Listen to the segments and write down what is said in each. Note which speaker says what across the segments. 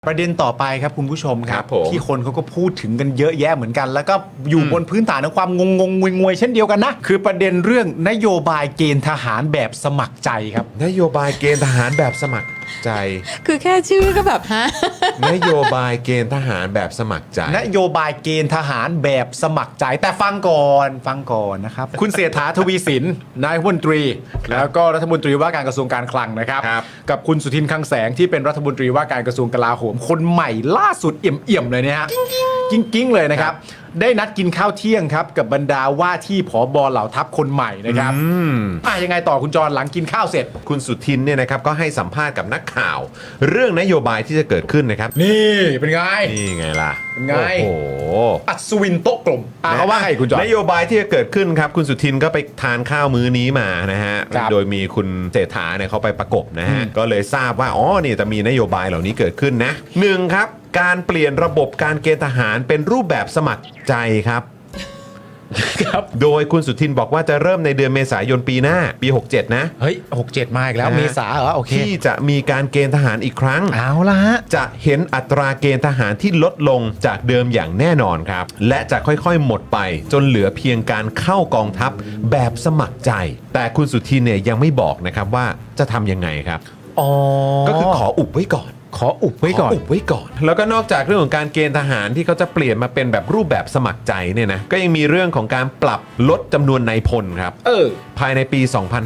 Speaker 1: ประเด็นต่อไปครับคุณผู้ชมค
Speaker 2: ค
Speaker 1: รั
Speaker 2: รับ บผม
Speaker 1: ที่คนเขาก็พูดถึงกันเยอะแยะเหมือนกัน แล้วก็อยู่บนพื้นฐานของความงงงวยๆเช่นเดียวกันนะคือประเด็นเรื่องนโยบายเกณฑ์ทหารแบบสมัครใจครับ
Speaker 2: นโยบายเกณฑ์ทหารแบบสมัครใจ
Speaker 3: คือแค่ชื่อก็แบบฮะ
Speaker 2: นโยบายเกณฑ์ทหารแบบสมัครใจ
Speaker 1: นโยบายเกณฑ์ทหารแบบสมัครใจแต่ฟังก่อนนะครับ คุณเศรษฐาทวีสินนายรัฐมนตรี แล้วก็รัฐมนตรีว่าการกระทรวงการคลังนะครับ
Speaker 2: ครับ
Speaker 1: กับคุณสุทินคลังแสงที่เป็นรัฐมนตรีว่าการกระทรวงกลาโหมคนใหม่ล่าสุดเอี่ยมๆเลยเนี่ยฮะกิ้งเลยนะครับได้นัดกินข้าวเที่ยงครับกับบรรดาว่าที่ผบเหล่าทัพคนใหม่นะครับยังไงต่อคุณจรหลังกินข้าวเสร็จ
Speaker 2: คุณสุทินเนี่ยนะครับก็ให้สัมภาษณ์กับนักข่าว เรื่องนโยบายที่จะเกิดขึ้นนะครับ
Speaker 1: นี่เป็นไง
Speaker 2: นี่ไงล่ะ
Speaker 1: เป็นไง
Speaker 2: โอ้โห
Speaker 1: อัศวินโต๊ะกลมเขาว่าไงคุณจร
Speaker 2: นโยบายที่จะเกิดขึ้นครับคุณสุทินก็ไปทานข้าวมื้อนี้มานะฮะ
Speaker 1: ครับ
Speaker 2: โดยมีคุณเศรษฐาเนี่ยเขาไปประกบนะฮะก็เลยทราบว่าอ๋อนี่จะมีนโยบายเหล่านี้เกิดขึ้นนะหนึ่งครับการเปลี่ยนระบบการเกณฑ์ทหารเป็นรูปแบบสมัครใจครับ
Speaker 1: ครับ
Speaker 2: โดยคุณสุทินบอกว่าจะเริ่มในเดือนเมษายนปีหน้าปี 67 นะ
Speaker 1: เฮ้ย67มาอีกแล้ว
Speaker 2: นะฮะ
Speaker 1: เมษาเหรอโอเค
Speaker 2: ที่จะมีการเกณฑ์ทหารอีกครั้ง
Speaker 1: เอาละฮะ
Speaker 2: จะเห็นอัตราเกณฑ์ทหารที่ลดลงจากเดิมอย่างแน่นอนครับ และจะค่อยๆหมดไปจนเหลือเพียงการเข้ากองทัพแบบสมัครใจ แต่คุณสุทินเนี่ยยังไม่บอกนะครับว่าจะทำยังไงครับ
Speaker 1: อ๋อ
Speaker 2: ก็คือขออุบไว้ก่อน
Speaker 1: ขออุบไว้ก่อน
Speaker 2: ขอุบไว้ก่อน แล้วก็นอกจากเรื่องของการเกณฑ์ทหารที่เขาจะเปลี่ยนมาเป็นแบบรูปแบบสมัครใจเนี่ยนะก็ยังมีเรื่องของการปรับลดจำนวนนายพลครับ ภายในปี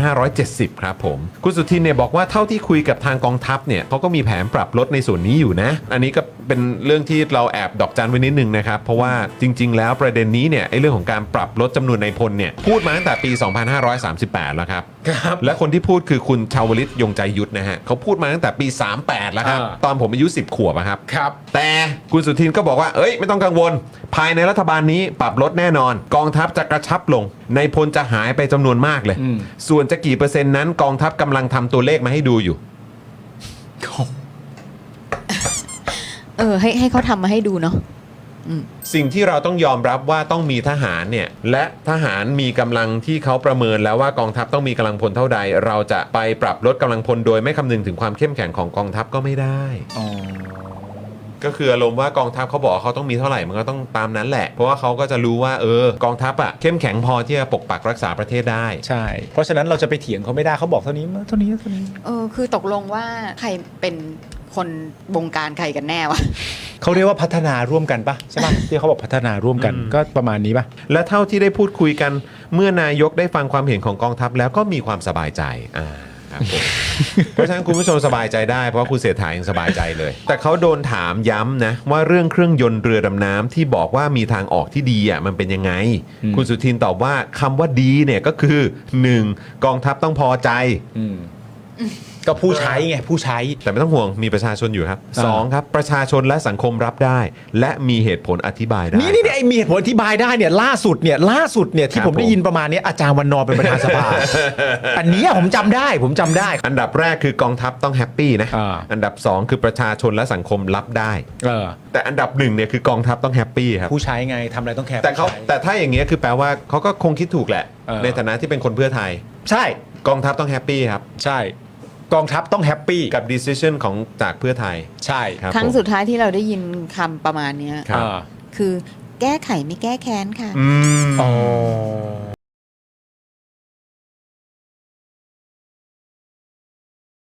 Speaker 2: 2570 ครับผม คุณสุทินเนี่ยบอกว่าเท่าที่คุยกับทางกองทัพเนี่ยเขาก็มีแผนปรับลดในส่วนนี้อยู่นะ อันนี้ก็เป็นเรื่องที่เราแอบดอกจันไว้นิดนึงนะครับ เพราะว่าจริง ๆ แล้วประเด็นนี้เนี่ยไอ้เรื่องของการปรับลดจำนวนนายพลเนี่ยพูดมาตั้งแต่ปี 2538 แล้วครับ
Speaker 1: ครับ
Speaker 2: และคนที่พูดคือคุณชาวลิตยงใจยุทธนะฮะเขาพูดมาตั้งแต่ปี 38 แล้วครับ ตอนผมอายุ 10 ขวบอะครับ
Speaker 1: ครับ
Speaker 2: แต่คุณสุทินก็บอกว่า เอ้ย ไม่ต้องกังวล ภายในรัฐบาลนี้ปรับลดแน่นอน กองทัพจะกระชับลง ในพลจะหายไปจำนวนมากเลย ส่วนจะกี่เปอร์เซ็นต์นั้นกองทัพกำลังทำตัวเลขมาให้ดูอยู่
Speaker 3: ให้เขาทำมาให้ดูเนาะ
Speaker 2: สิ่งที่เราต้องยอมรับว่าต้องมีทหารเนี่ยและทหารมีกำลังที่เขาประเมินแล้วว่ากองทัพต้องมีกำลังพลเท่าใด เราจะไปปรับลดกำลังพลโดยไม่คำนึงถึงความเข้มแข็งของกองทัพก็ไม่ได้ ก็คืออารมณ์ว่ากองทัพเขาบอกว่าเขาต้องมีเท่าไหร่มันก็ต้องตามนั้นแหละ เพราะว่าเขาก็จะรู้ว่ากองทัพอ่ะเข้มแข็งพอที่จะปกปักรักษาประเทศได้
Speaker 1: ใช่ เพราะฉะนั้นเราจะไปเถียงเขาไม่ได้เขาบอกเท่านี้เท่านี้
Speaker 3: คือตกลงว่าใครเป็นคนบงการใครกันแน่วะ
Speaker 1: เขาเรียกว่าพัฒนาร่วมกันปะใช่ปะที่เขาบอกพัฒนาร่วมกันก็ประมาณนี้ปะ
Speaker 2: และเท่าที่ได้พูดคุยกันเมื่อนายกได้ฟังความเห็นของกองทัพแล้วก็มีความสบายใจครับผม เพราะฉะนั้นคุณผู้ชมสบายใจได้เพราะว่าคุณเสถายังสบายใจเลย แต่เขาโดนถามย้ำนะว่าเรื่องเครื่องยนต์เรือดำน้ำที่บอกว่ามีทางออกที่ดีอ่ะมันเป็นยังไง คุณสุทินตอบว่าคำว่าดีเนี่ยก็คือ 1. กองทัพต้องพอใจ
Speaker 1: ก็ผู้ใช้ไงผู้ใช้
Speaker 2: แต่ไม่ต้องห่วงมีประชาชนอยู่ครับ
Speaker 1: อ่า
Speaker 2: 2. ครับประชาชนและสังคมรับได้ และมีเหตุผลอธิบายได้
Speaker 1: นี่ไอ้มีเหตุผลอธิบายได้เนี่ยล่าสุดเนี่ยที่
Speaker 2: ครับ
Speaker 1: ผมได้ยินประมาณเนี้ยอาจารย์วันนอร์เป็นประธานสภา อันเนี้ยผมจำได้
Speaker 2: อันดับแรกคือกองทัพต้องแฮปปี้นะ
Speaker 1: อ่า
Speaker 2: อันดับ 2 คือประชาชนและสังคมรับได้
Speaker 1: เออ
Speaker 2: แต่อันดับ1เนี่ยคือกองทัพต้องแฮปปี้ครับ
Speaker 1: ผู้ใช้ไงทำอะไรต้องแคร์
Speaker 2: แต่
Speaker 1: ผู้ใช้
Speaker 2: ถ้าอย่างเงี้ยคือแปลว่าเขาก็คงคิดถูกแหละ
Speaker 1: เออ
Speaker 2: ในฐานะที่เป็นคนเพื่อไทย
Speaker 1: ใช่
Speaker 2: กองทัพต้องแฮปปี้ครับ
Speaker 1: ใช่ กองทัพต้องแฮปปี้
Speaker 2: กับ decision ของจากเพื่อไทย
Speaker 1: ใช่
Speaker 2: ครับ
Speaker 3: ครั้ง
Speaker 2: ผม
Speaker 3: สุดท้ายที่เราได้ยินคำประมาณเนี้ย
Speaker 2: ครับ
Speaker 3: คือแก้ไขไม่แก้แค้นค่ะ
Speaker 2: อืม
Speaker 1: อ๋อ